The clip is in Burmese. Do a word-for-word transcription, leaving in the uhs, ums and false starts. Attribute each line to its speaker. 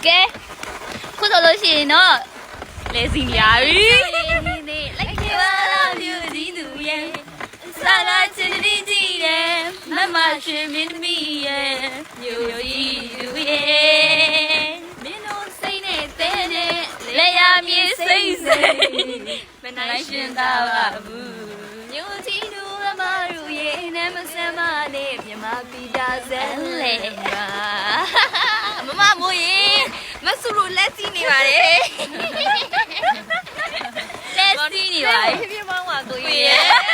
Speaker 1: ကဲခုဆိုလို့ရှိရင်တော့လဲစီရပြီလိုက်ခဲ့ပါလားမြို့ကြီးသူရဲ့စာကချစ်တီးကြည့်တယ်မမရှင်မင်းသမီးရဲ့မြို့ကြီးသူရဲ့မင်းတို့စိတ်နဲ့တဲနဲ့လဲရမြေစိတ်စိတ်မနိုင်ရှင်သာပါဘူးမြို့ကြီးသူမမတို့ရဲ့နာမစမ်းမနဲ့မြမပီတာဇန်လေပါမမမိုးရင်မဆူလို့လက်စီးနေပါတယ်လက်စီးနေပါဖြည်းဖြည်းမောင်းပါကိုကြီးရဲ့